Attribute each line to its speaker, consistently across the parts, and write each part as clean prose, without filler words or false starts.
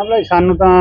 Speaker 1: ਮਾਮਲਾ ਜੀ ਸਾਨੂੰ ਤਾਂ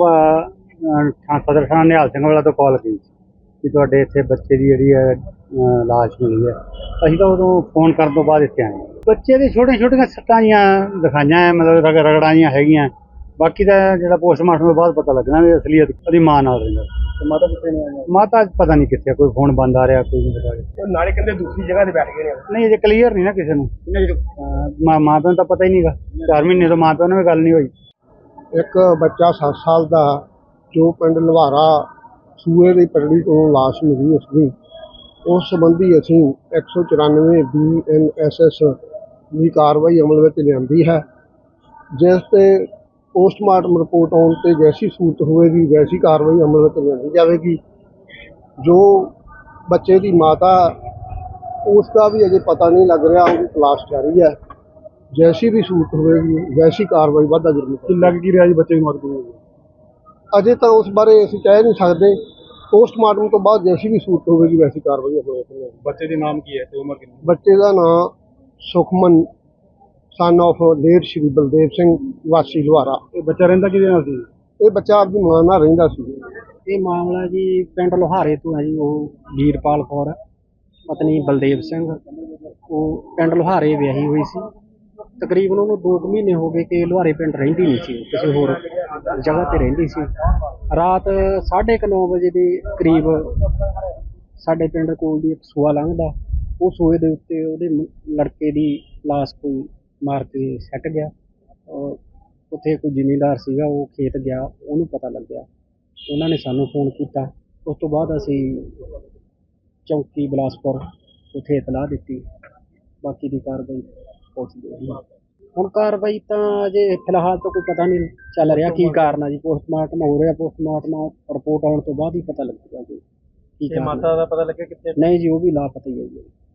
Speaker 1: ਸੁਬਾਹ ਸਦਰ ਥਾਣਾ ਨਿਹਾਲ ਸਿੰਘ ਵਾਲਾ ਤੋਂ ਕਾਲ ਗਈ ਕਿ ਤੁਹਾਡੇ ਇੱਥੇ ਬੱਚੇ ਦੀ ਜਿਹੜੀ ਹੈ ਲਾਸ਼ ਮਿਲੀ ਹੈ। ਅਸੀਂ ਤਾਂ ਉਦੋਂ ਫੋਨ ਕਰਨ ਤੋਂ ਬਾਅਦ ਇੱਥੇ ਆਏ। ਬੱਚੇ ਦੀ ਛੋਟੀਆਂ ਛੋਟੀਆਂ ਸੱਟਾਂ ਜੀਆਂ ਦਿਖਾਈਆਂ ਹੈ, ਮਤਲਬ ਰਗੜਾਂ ਜੀਆਂ ਹੈਗੀਆਂ। ਬਾਕੀ ਦਾ ਜਿਹੜਾ ਪੋਸਟਮਾਰਟਮ ਤੋਂ ਬਾਅਦ ਪਤਾ ਲੱਗਣਾ ਵੀ ਅਸਲੀਅਤ ਉਹਦੀ ਮਾਂ ਨਾਲ ਰਹਿੰਦਾ। ਮਾਤਾ ਕਿੱਥੇ ਨੇ? ਮਾਤਾ ਪਤਾ ਨਹੀਂ ਕਿੱਥੇ, ਕੋਈ ਫੋਨ ਬੰਦ ਆ ਰਿਹਾ, ਕੋਈ ਨਹੀਂ ਪਤਾ। ਨਾਲੇ ਕਹਿੰਦੇ ਦੂਸਰੀ ਜਗ੍ਹਾ ਤੇ ਬੈਠ ਗਏ ਨੇ। ਨਹੀਂ ਅਜੇ ਕਲੀਅਰ ਨਹੀਂ ਨਾ ਕਿਸੇ ਨੂੰ। ਮਾਂ ਪਿਓ ਨੂੰ ਤਾਂ ਪਤਾ ਹੀ ਨਹੀਂਗਾ। 4 ਮਹੀਨੇ ਤੋਂ ਮਾਂ ਪਿਓ ਨਾਲ ਵੀ ਗੱਲ ਨਹੀਂ ਹੋਈ। ਇੱਕ ਬੱਚਾ 7 ਸਾਲ ਦਾ ਜੋ ਪਿੰਡ ਲੁਹਾਰਾ ਸੂਏ ਦੀ ਪਰੜੀ ਤੋਂ ਲਾਸ਼ ਮਿਲੀ ਉਸਦੀ, ਉਸ ਸੰਬੰਧੀ ਅਸੀਂ 194 BNSS ਦੀ ਕਾਰਵਾਈ ਅਮਲ ਵਿੱਚ ਲਿਆਂਦੀ ਹੈ, ਜਿਸ ਤੇ ਪੋਸਟਮਾਰਟਮ ਰਿਪੋਰਟ ਆਉਣ ਤੇ ਜੈਸੀ ਸੂਰਤ ਹੋਵੇਗੀ ਵੈਸੀ ਕਾਰਵਾਈ ਅਮਲ ਵਿੱਚ ਲਿਆਂਦੀ ਜਾਵੇਗੀ। ਜੋ ਬੱਚੇ ਦੀ ਮਾਤਾ ਉਸ ਦਾ ਵੀ ਅਜੇ ਪਤਾ ਨਹੀਂ ਲੱਗ ਰਿਹਾ, ਉਹਦੀ ਤਲਾਸ਼ ਜਾਰੀ ਹੈ। ਜੈਸੀ ਵੀ ਸੂਰਤ ਹੋਵੇਗੀ ਵੈਸੀ ਕਾਰਵਾਈ ਵਾਧਾ ਜ਼ਰੂਰ ਲੱਗ ਕੀ ਰਿਹਾ ਜੀ। ਬੱਚੇ ਦੀ ਮੌਤ ਕਿਵੇਂ ਹੋਈ ਅਜੇ ਤਾਂ ਉਸ ਬਾਰੇ ਅਸੀਂ ਕਹਿ ਨਹੀਂ ਸਕਦੇ। ਪੋਸਟਮਾਰਟਮ ਤੋਂ ਬਾਅਦ ਜੈਸੀ ਵੀ ਸੂਰਤ ਹੋਵੇਗੀ ਵੈਸੀ ਕਾਰਵਾਈ ਹੋਵੇਗੀ। ਬੱਚੇ ਦੇ ਨਾਮ ਕੀ ਹੈ ਤੇ ਉਮਰ ਕਿੰਨੀ? ਬੱਚੇ ਦਾ ਨਾਮ Sukhman son of late Shri Baldev Singh ਵਾਸੀ ਲੁਹਾਰਾ। ਇਹ ਬੱਚਾ ਰਹਿੰਦਾ ਕਿਹਦੇ ਨਾਲ ਸੀ? ਇਹ ਬੱਚਾ ਆਪਣੀ ਮਾਂ ਨਾਲ ਰਹਿੰਦਾ ਸੀ।
Speaker 2: ਇਹ ਮਾਮਲਾ ਜੀ ਪਿੰਡ ਲੁਹਾਰੇ ਤੋਂ ਹੈ ਜੀ। ਉਹ ਵੀਰਪਾਲ ਕੌਰ ਪਤਨੀ ਬਲਦੇਵ ਸਿੰਘ, ਉਹ ਪਿੰਡ ਲੁਹਾਰੇ ਵਿਆਹੀ ਹੋਈ ਸੀ। ਤਕਰੀਬਨ ਉਹਨੂੰ 2 ਮਹੀਨੇ ਹੋ ਗਏ ਕਿ ਲੁਹਾਰੇ ਪਿੰਡ ਰਹਿੰਦੀ ਨਹੀਂ ਸੀ, ਕਿਸੇ ਹੋਰ ਜਗ੍ਹਾ ਤੇ ਰਹਿੰਦੀ ਸੀ। ਰਾਤ 9:30 ਵਜੇ ਦੇ ਕਰੀਬ ਸਾਡੇ ਪਿੰਡ ਕੋਲ ਦੀ ਇੱਕ ਸੂਆ ਲੰਘਦਾ, ਉਹ ਸੂਏ ਦੇ ਉੱਤੇ ਉਹਦੇ ਲੜਕੇ ਦੀ ਲਾਸ਼ ਕੋਈ ਮਾਰ ਕੇ ਸੱਟ ਗਿਆ। ਉੱਥੇ ਕੋਈ ਜ਼ਿਮੀਂਦਾਰ ਸੀਗਾ, ਉਹ ਖੇਤ ਗਿਆ, ਉਹਨੂੰ ਪਤਾ ਲੱਗਿਆ, ਉਹਨਾਂ ਨੇ ਸਾਨੂੰ ਫੋਨ ਕੀਤਾ। ਉਸ ਤੋਂ ਬਾਅਦ ਅਸੀਂ ਚੌਂਕੀ ਬਿਲਾਸਪੁਰ ਉੱਥੇ ਇਤਲਾਹ ਦਿੱਤੀ। ਬਾਕੀ ਦੀ ਕਾਰਵਾਈ ਪੁੱਛਦੇ ਹਾਂ। ਹੁਣ ਕਾਰਵਾਈ ਤਾਂ ਅਜੇ ਫਿਲਹਾਲ ਤਾਂ ਕੋਈ ਪਤਾ ਨਹੀਂ ਚੱਲ ਰਿਹਾ ਕੀ ਕਾਰਨ ਆ ਜੀ। ਪੋਸਟਮਾਰਟਮ ਹੋ ਰਿਹਾ, ਪੋਸਟਮਾਰਟਮ ਰਿਪੋਰਟ ਆਉਣ ਤੋਂ ਬਾਅਦ ਹੀ ਪਤਾ ਲੱਗੇਗਾ ਜੀ ਕੀ ਕਾਰਨ। ਮਾਤਾ ਦਾ ਪਤਾ ਲੱਗਿਆ ਕਿੱਥੇ? ਨਹੀਂ ਜੀ, ਉਹ ਵੀ ਲਾਪਤਾ ਹੀ ਹੈ ਜੀ।